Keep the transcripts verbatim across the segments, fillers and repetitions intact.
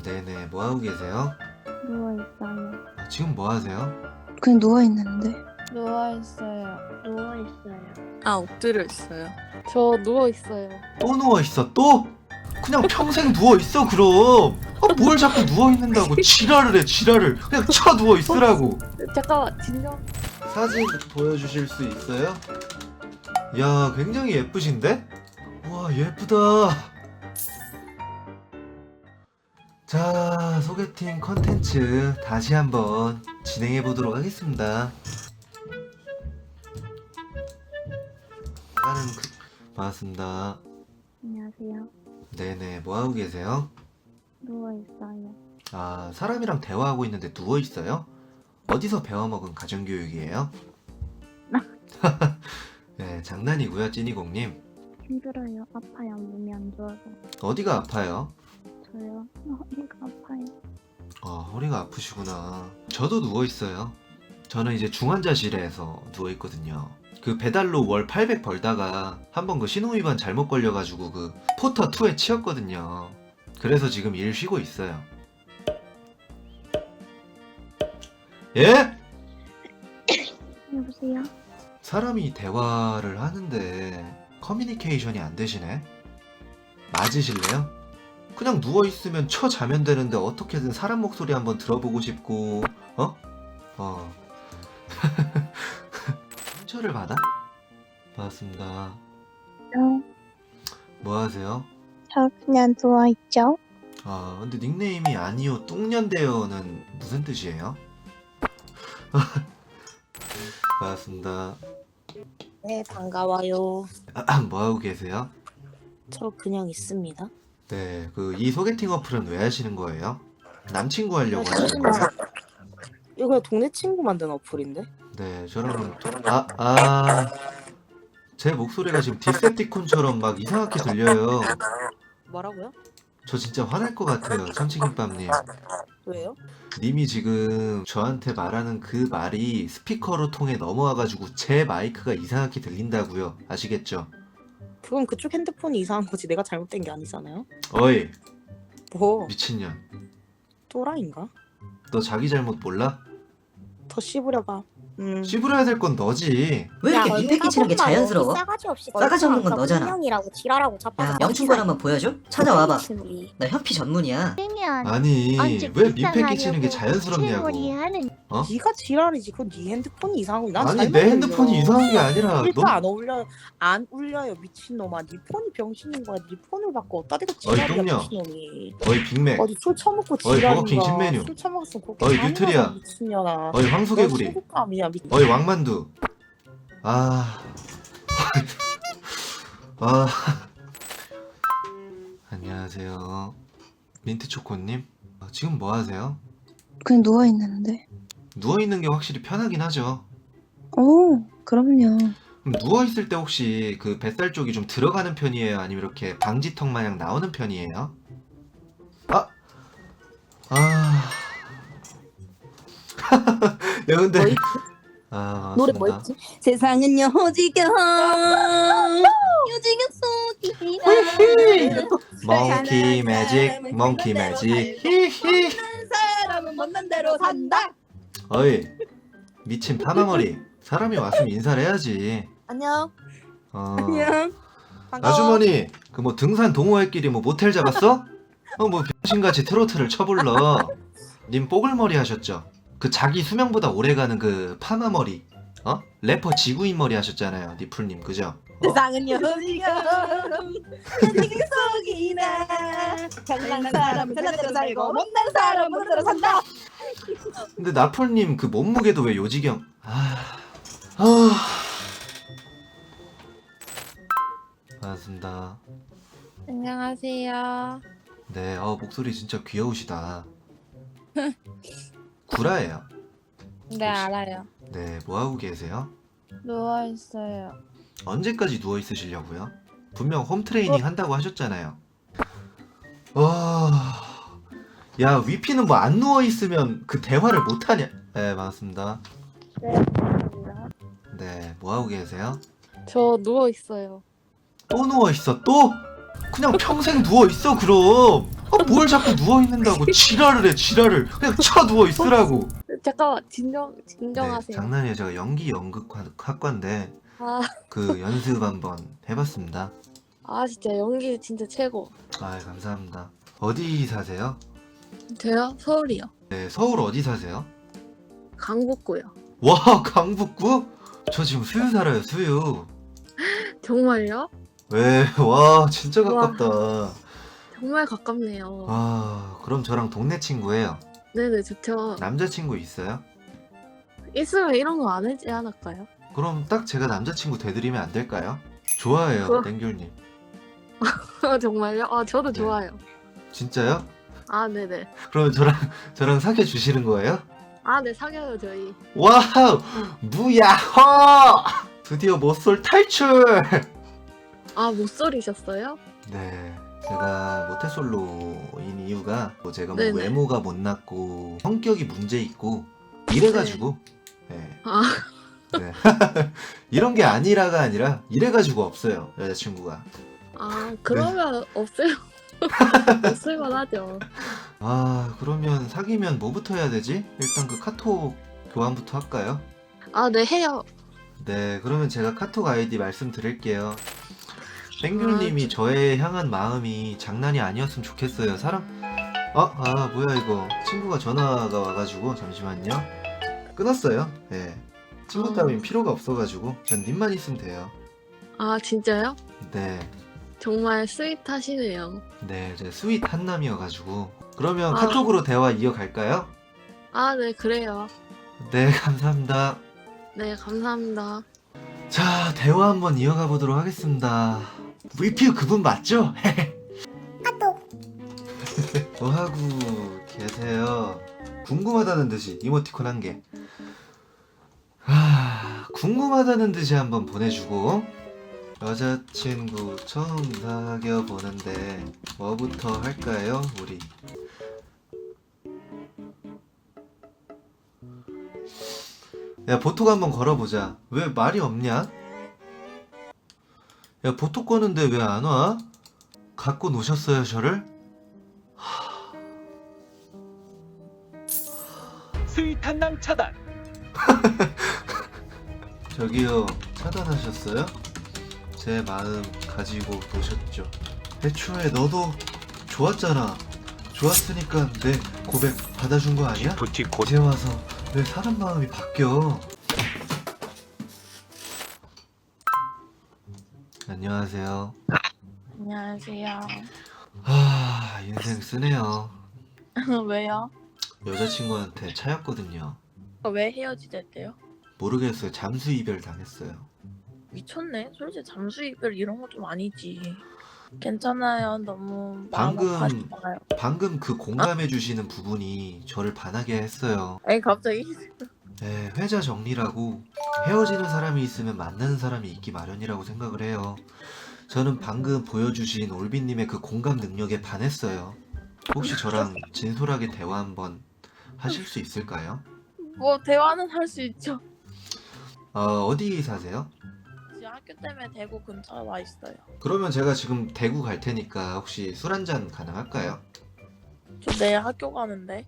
네네, 뭐 하고 계세요? 누워있어요. 아, 지금 뭐 하세요? 그냥 누워있는데. 누워있어요. 누워있어요. 아, 엎드려 있어요. 저 누워있어요. 또 누워있어, 또? 그냥 평생 누워있어, 그럼. 아, 뭘 자꾸 누워있는다고 지랄을 해, 지랄을. 그냥 쳐 누워있으라고. 잠깐만, 진정. 사진 보여주실 수 있어요? 야, 굉장히 예쁘신데? 와, 예쁘다. 자, 소개팅 컨텐츠 다시 한번 진행해 보도록 하겠습니다. 나는 그... 반갑습니다. 안녕하세요. 네네, 뭐 하고 계세요? 누워있어요. 아, 사람이랑 대화하고 있는데 누워 있어요? 어디서 배워먹은 가정교육이에요? 네, 장난이고요, 찐이공님. 힘들어요. 아파요. 몸이 안 좋아서. 어디가 아파요? 저요? 허리가 아파요. 아, 허리가 아프시구나. 저도 누워 있어요. 저는 이제 중환자실에서 누워 있거든요. 그 배달로 월 팔백 벌다가 한번 그 신호위반 잘못 걸려가지고 그 포터 이에 치였거든요. 그래서 지금 일 쉬고 있어요. 예? 여보세요? 사람이 대화를 하는데 커뮤니케이션이 안 되시네? 맞으실래요? 그냥 누워있으면 쳐 자면 되는데 어떻게든 사람 목소리 한번 들어보고 싶고, 어? 어. 상처를 받아? 반갑습니다. 저, 뭐 하세요? 저 그냥 누워있죠? 아, 근데 닉네임이 아니요 뚱년대요는 무슨 뜻이에요? 반갑습니다. 네, 반가워요. 아, 뭐 하고 계세요? 저 그냥 있습니다. 네, 그 이 소개팅 어플은 왜 하시는 거예요? 남친구 하려고 네, 하시는 거예요? 이거 그냥 동네 친구 만든 어플인데? 네, 저랑 아, 아, 제 목소리가 지금 디셉티콘처럼 막 이상하게 들려요. 뭐라고요? 저 진짜 화날 것 같아요, 참치김밥님. 왜요? 님이 지금 저한테 말하는 그 말이 스피커로 통해 넘어와가지고 제 마이크가 이상하게 들린다고요. 아시겠죠? 그건 그쪽 핸드폰이 이상한 거지 내가 잘못된 게 아니잖아요? 어이, 뭐, 미친년. 또라이인가? 너 자기 잘못 몰라? 더 씹으려봐. 음. 씹으려야 될 건 너지. 왜 이렇게 민폐 끼치는 게 자연스러워? 싸가지 없이 싸가지 없는 건 너잖아. 분명이라고 지랄하고 야, 자빠져. 명충권 한번 보여줘? 찾아와봐. 나 현피 전문이야. 그러면 아니, 언제 왜 민폐 끼치는 게 불쌍하냐고 자연스럽냐고. 채무리 하는 어? 네가 지랄이지. 그건 네 핸드폰이 이상한 거난 아니, 잘못 내 울려. 핸드폰이 이상한 게 아니라 일단 너... 안 울려요. 안 울려요 미친놈아. 네 폰이 병신인 거야. 네 폰을 바꿔. 어디다 대고 어이, 지랄이야 똥녀. 미친놈이. 어이, 빅맥. 어디 술 처먹고 어이, 지랄인가. 버거킹 신메뉴. 술 처먹었으면 그렇게 어이, 잔인하다, 뉴트리아. 미친년아. 어이, 황소개구리. 너 친구감이야 미... 어이, 왕만두. 아... 아... 안녕하세요. 민트초코님? 아, 지금 뭐 하세요? 그냥 누워있는데. 누워있는 게 확실히 편하긴 하죠. 오, 그럼요. 그럼 누워있을 때 혹시 그 뱃살 쪽이 좀 들어가는 편이에요? 아니면 이렇게 방지턱 마냥 나오는 편이에요? 아! 아... 야, 근데... 뭐이? 아, 노래 맞습니다. 뭐였지? 세상은 여지경 여지경 속이야 몽키 매직, 몽키 매직. 히히. 사람은 못난 대로 산다. 어이, 미친 파마머리. 사람이 왔으면 인사를 해야지. 안녕. 어... 안녕. 반가워. 아주머니, 그 뭐 등산 동호회끼리 뭐 모텔 잡았어? 어, 뭐 병신같이 트로트를 쳐불러. 님 뽀글머리 하셨죠? 그 자기 수명보다 오래가는 그 파마머리. 어? 래퍼 지구인 머리 하셨잖아요, 니풀님, 그죠? 어? 세상은 여지경 여지경 속이나 잘난 사람은 잘난 대로 살고 못난 사람은 못난 대로 산다. 근데 나풀님 그 몸무게도 왜 요지경? 아, 아, 반갑습니다. 안녕하세요. 네, 어 목소리 진짜 귀여우시다. 구라예요. 네, 알아요. 네, 뭐 하고 계세요? 누워있어요. 언제까지 누워 있으시려고요? 분명 홈 트레이닝 한다고 하셨잖아요. 와, 야 위피는 뭐 안 누워 있으면 그 대화를 못 하냐? 네, 반갑습니다. 네, 감사합니다. 네, 뭐 하고 계세요? 저 누워있어요. 또 누워 있어 또? 그냥 평생 누워 있어 그럼. 아, 뭘 자꾸 누워 있는다고 지랄을 해 지랄을. 그냥 쳐 누워 있으라고. 잠깐만 진정 네, 진정하세요. 장난이에요. 제가 연기 연극 학- 학과인데 아, 그 연습 한번 해봤습니다. 아 진짜 연기 진짜 최고. 아 감사합니다. 어디 사세요? 저요? 서울이요. 네 서울 어디 사세요? 강북구요. 와 강북구? 저 지금 수유 살아요 수유. 정말요? 왜? 와 진짜 우와. 가깝다. 정말 가깝네요. 아 그럼 저랑 동네 친구예요. 네네 좋죠. 남자친구 있어요? 있으면 이런 거 안 하지 않을까요? 그럼 딱 제가 남자친구 돼드리면 안 될까요? 좋아해요 그럼- 땡귤님. 정말요? 아 저도 네. 좋아요. 진짜요? 아 네네. 그럼 저랑 저랑 사귀어 주시는 거예요? 아 네 사겨요 저희. 와우 무야호 드디어 모쏠 탈출. 아 못소리셨어요? 네 제가 모태솔로인 이유가 뭐 제가 뭐 네네. 외모가 못났고 성격이 문제 있고 이래가지고 네. 아. 네. 이런 게 아니라가 아니라 이래가지고 없어요 여자친구가. 아 그러면 없어요. 없을만 하죠. 아 그러면 사귀면 뭐부터 해야 되지? 일단 그 카톡 교환부터 할까요? 아 네 해요. 네 그러면 제가 카톡 아이디 말씀드릴게요. 땡귤님이 저에 향한 마음이 장난이 아니었으면 좋겠어요. 사람 아, 아 뭐야 이거 친구가 전화가 와가지고 잠시만요. 끊었어요. 네 친구 아. 따윈 필요가 없어가지고 전 님만 있으면 돼요. 아 진짜요? 네 정말 스윗하시네요. 네, 제 스윗 한남이어가지고 그러면 아. 카톡으로 대화 이어갈까요? 아 네 그래요. 네 감사합니다. 네 감사합니다. 자 대화 한번 이어가 보도록 하겠습니다. 브이피 그분 맞죠? 뭐 하고 계세요? 궁금하다는 듯이 이모티콘 한 개. 아, 궁금하다는 듯이 한번 보내주고 여자친구 처음 사귀어 보는데 뭐부터 할까요, 우리? 야 보톡 한번 걸어보자. 왜 말이 없냐? 야 보톡 거는데 왜 안 와? 갖고 노셨어요 저를? 스윗한 남 차단. 저기요 차단하셨어요? 제 마음 가지고 노셨죠. 애초에 너도 좋았잖아. 좋았으니까 내 고백 받아준 거 아니야? 부티코 이제 와서 왜 사람 마음이 바뀌어? 안녕하세요. 안녕하세요. 아 인생 쓰네요. 왜요? 여자친구한테 차였거든요. 아, 왜 헤어지랬대요? 모르겠어요. 잠수 이별 당했어요. 미쳤네. 솔직히 잠수 이별 이런 거 좀 아니지. 괜찮아요. 너무 방금- 마음 아파하지 마요. 방금 그 공감해 주시는 부분이 저를 반하게 했어요. 아니 갑자기 네, 회자 정리라고 헤어지는 사람이 있으면 만나는 사람이 있기 마련이라고 생각을 해요. 저는 방금 보여주신 올빈님의 그 공감 능력에 반했어요. 혹시 저랑 진솔하게 대화 한번 하실 수 있을까요? 뭐 대화는 할 수 있죠. 어, 어디 사세요? 지금 학교 때문에 대구 근처에 와 있어요. 그러면 제가 지금 대구 갈 테니까 혹시 술 한잔 가능할까요? 저 내일 학교 가는데.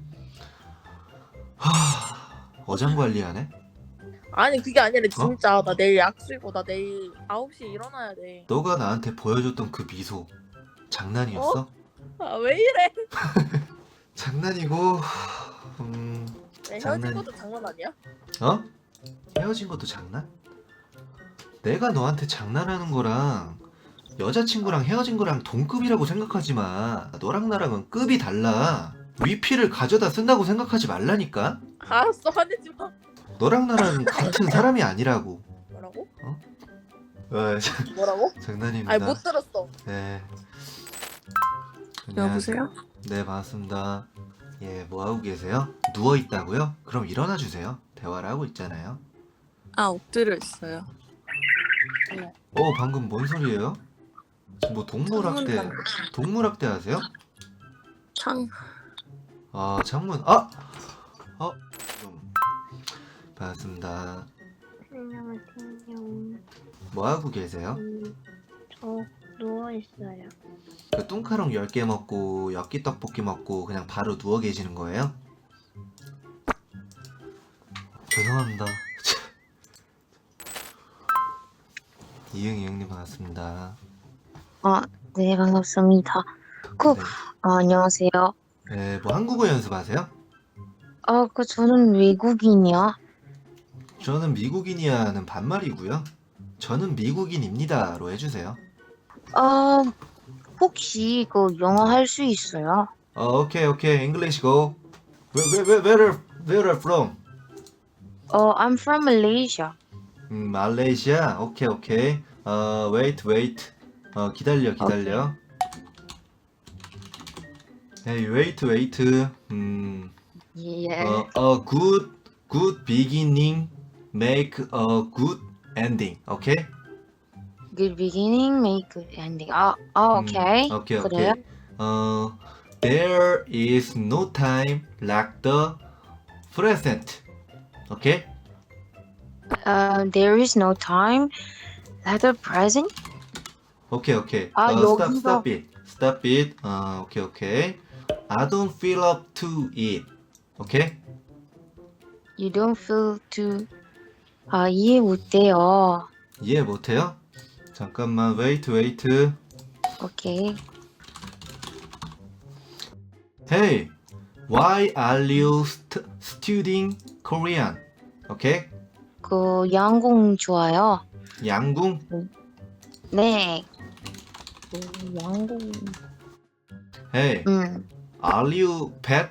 하... 어장 관리하네? 아니 그게 아니라 진짜 나 내일 약속이고 나 내일 아홉 시에 일어나야 돼. 너가 나한테 보여줬던 그 미소 장난이었어? 아 왜 이래? 장난이고 음... 내 장난- 헤어진 것도 장난 아니야? 어? 헤어진 것도 장난? 내가 너한테 장난하는 거랑 여자친구랑 헤어진 거랑 동급이라고 생각하지 마. 너랑 나랑은 급이 달라. 위피를 가져다 쓴다고 생각하지 말라니까? 알았어 화내지 마. 너랑 나랑은 같은 사람이 아니라고. 뭐라고? 아, 자, 뭐라고? 장난입니다. 아니 못 들었어. 네. 여보세요? 네, 반갑습니다. 예, 뭐 하고 계세요? 누워 있다고요? 그럼 일어나 주세요. 대화를 하고 있잖아요. 아 엎드려 있어요. 어, 방금 뭔 소리예요? 지금 뭐 동물학대, 동물학대 하세요? 창. 아, 창문, 아! 어, 좀, 반갑습니다. 안녕하세요. 뭐 하고 계세요? 음, 저 누워있어요. 그 뚱카롱 열 개 먹고 엽기 떡볶이 먹고 그냥 바로 누워 계시는 거예요? 죄송합니다. 이응 이응님 반갑습니다. 아, 네, 반갑습니다. 그, 네. 아, 안녕하세요. 네, 뭐 한국어 연습하세요? 아, 그, 저는 외국인이야. 저는 미국인이야는 반말이고요. 저는 미국인입니다로 해주세요. 아, 혹시 그 영어 할 수 있어요? 어, 오케이 오케이 English go. Where where where where where are from? 어, I'm from Malaysia. 음, 말레이시아. 오케이 오케이. 어, wait wait. 어, 기다려 기다려. Hey, wait wait. 음, 예. 어, a good good beginning make a good ending. 오케이? Good beginning, make good ending. 아, 아, 음, 오케이. 오케이 그래요? 오케이. 어, there is no time like the present. 오케이? Uh, there is no time like the present. 오케이 오케이. 아, 어, stop 여기서- stop it. Stop it. 어, 오케이 오케이. I don't feel up to it. 오케이? You don't feel to. 아, 이해 못해요. 이해 못해요? 잠깐만 wait wait. 오케이. Hey, why are you st- studying Korean? 오케이? 그 양궁 좋아요. 양궁? 네. 그 양궁. Hey, 음. are you pet?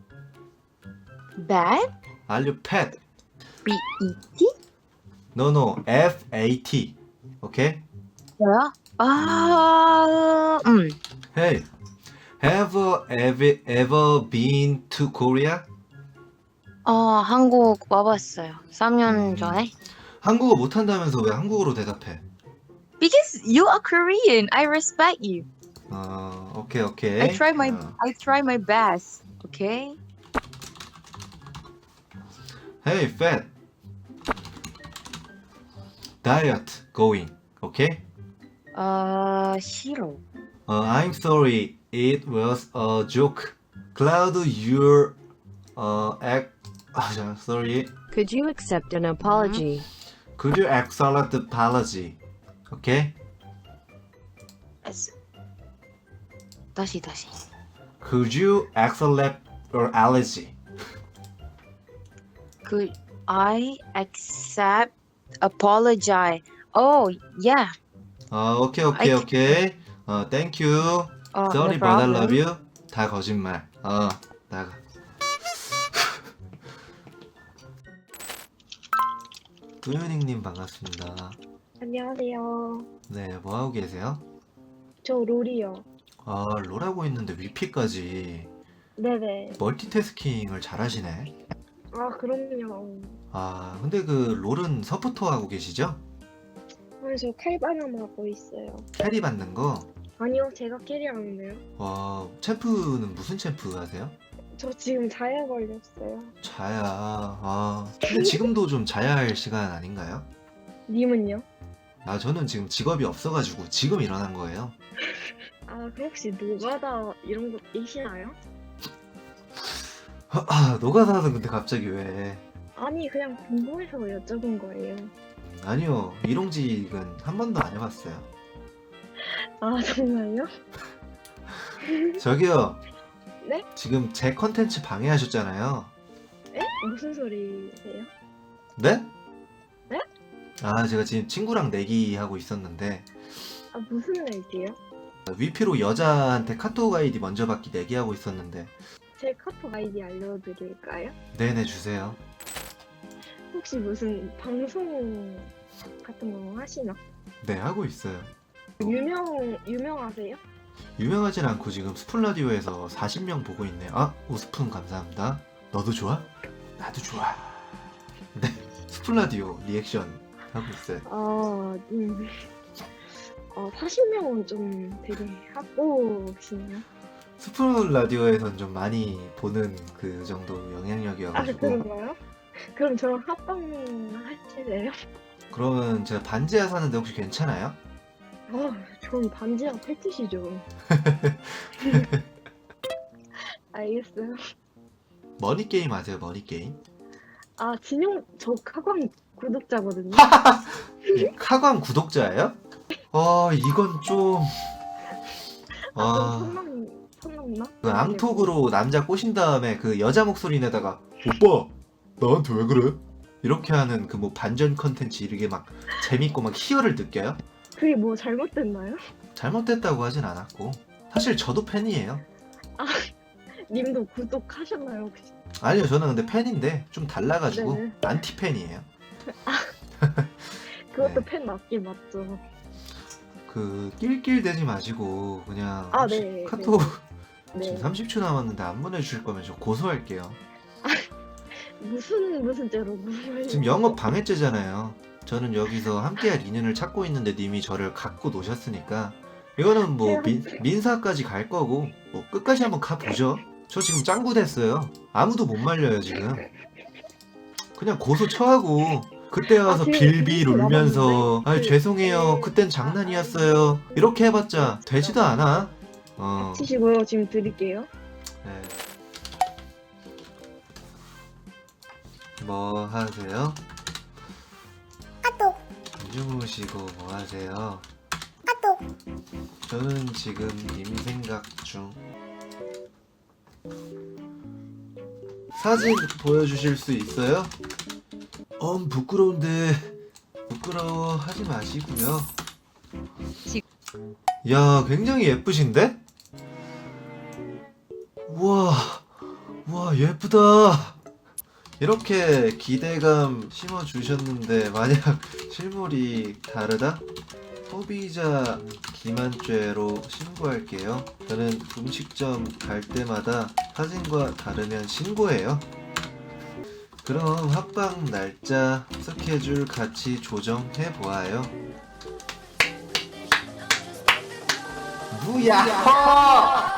Bad? Are you pet? B E T? No no, F A T. 오케이? 뭐야? 아, 음. Hey, have you ever, ever been to Korea? 어, 한국 와봤어요. 삼 년 음. 전에. 한국어 못한다면서 왜 한국어로 대답해? Because you are Korean, I respect you. 어, 오케이 오케이. I try my 어. I try my best. Okay? Hey, fat. Diet going. Okay? 어, 싫어. Uh, I'm sorry. It was a joke. Cloud, your uh, act. 아, 자, sorry. Could you accept an apology? Could you accept the apology? Okay? S- 다시 다시. Could you accept your allergy? Could I accept apologize? Oh, yeah. 어, 오케이 오케이 I- 오케이. 어, thank you. 어, Sorry, no but I problem. love you. 다 거짓말. 어, 나가. 도현이님 반갑습니다. 안녕하세요. 네, 뭐 하고 계세요? 저 롤이요. 아, 롤하고 있는데 위피까지 네네. 멀티태스킹을 잘하시네. 아, 그럼요. 아, 근데 그 롤은 서포터 하고 계시죠? 그래서 칼바람 하고 있어요. 캐리 받는 거. 아니요, 제가 캐리하는데요. 와, 챔프는 무슨 챔프 하세요? 저 지금 자야 걸렸어요. 자야. 아, 근데 지금도 좀 자야 할 시간 아닌가요? 님은요? 아, 저는 지금 직업이 없어가지고 지금 일어난 거예요. 아, 그럼 혹시 노가다 이런 거 계시나요? 아, 노가다는 근데 갑자기 왜? 아니, 그냥 궁금해서 여쭤본 거예요. 음, 아니요, 일용직은 한 번도 안 해봤어요. 아, 정말요? 저기요. 네? 지금 제 컨텐츠 방해하셨잖아요. 에? 무슨 소리세요? 네? 네? 아, 제가 지금 친구랑 내기 하고 있었는데 아, 무슨 얘기요? 위피로 여자한테 카톡 아이디 먼저 받기 내기 하고 있었는데. 제 카톡 아이디 알려드릴까요? 네네, 주세요. 혹시 무슨 방송 같은 거 하시나? 네, 하고 있어요. 유명, 유명하세요? 유명하진 않고 지금 스푼 라디오에서 사십 명 보고 있네요. 아, 오스푼 감사합니다. 너도 좋아? 나도 좋아. 네, 스푼 라디오 리액션 하고 있어요. 아, 음. 어, 사십 명은 좀 되게 하고시네요. 스푼 라디오에선 좀 많이 보는 그 정도 아, 영향력이어가지고. 그런가요? 그럼 저랑 합방 하실래요? 그러면 제가 반지하 사는데 혹시 괜찮아요? 아, 전 반지랑 패티시죠. 알겠어요. 머니 게임 아세요? 머니 게임? 아, 진용, 저 카광 구독자거든요. 카광 구독자예요? 아 이건 좀. 아, 아. 좀 선넘, 선넘나? 그 앙톡으로 남자 꼬신 다음에 그 여자 목소리 내다가 오빠 나한테 왜 그래? 이렇게 하는 그 뭐 반전 컨텐츠 이렇게 막 재밌고 막 희열을 느껴요? 그게 뭐 잘못됐나요? 잘못됐다고 하진 않았고 사실 저도 팬이에요. 님도 구독하셨나요, 혹시? 아니요 저는 근데 팬인데 좀 달라가지고 네네. 안티 팬이에요. 그것도 네. 팬 맞긴 맞죠. 그 낄낄대지 마시고 그냥 아, 혹시 네, 카톡 네. 지금 삼십 초 남았는데 안 보내주실 거면 저 고소할게요. 무슨, 무슨 죄로, 무슨 지금 영업 방해죄잖아요. 저는 여기서 함께할 인연을 찾고 있는데 님이 저를 갖고 노셨으니까 이거는 뭐 민, 민사까지 갈 거고 뭐 끝까지 한번 가보죠. 저 지금 짱구 됐어요. 아무도 못 말려요 지금. 그냥 고소 처하고 그때 와서 아, 지금 빌빌 이렇게 울면서 남았는데? 아 그- 죄송해요 네. 그땐 장난이었어요 이렇게 해봤자 되지도 않아. 어. 치시고요. 지금 드릴게요. 네. 뭐 하세요? 주무시고 뭐 하세요? 저는 지금 님 생각 중. 사진 보여주실 수 있어요? 엄 부끄러운데 부끄러워 하지 마시고요. 야 굉장히 예쁘신데? 우와 우와 예쁘다. 이렇게 기대감 심어주셨는데 만약 실물이 다르다? 소비자 기만죄로 신고할게요. 저는 음식점 갈 때마다 사진과 다르면 신고해요. 그럼 합방 날짜 스케줄 같이 조정해 보아요. 무야호!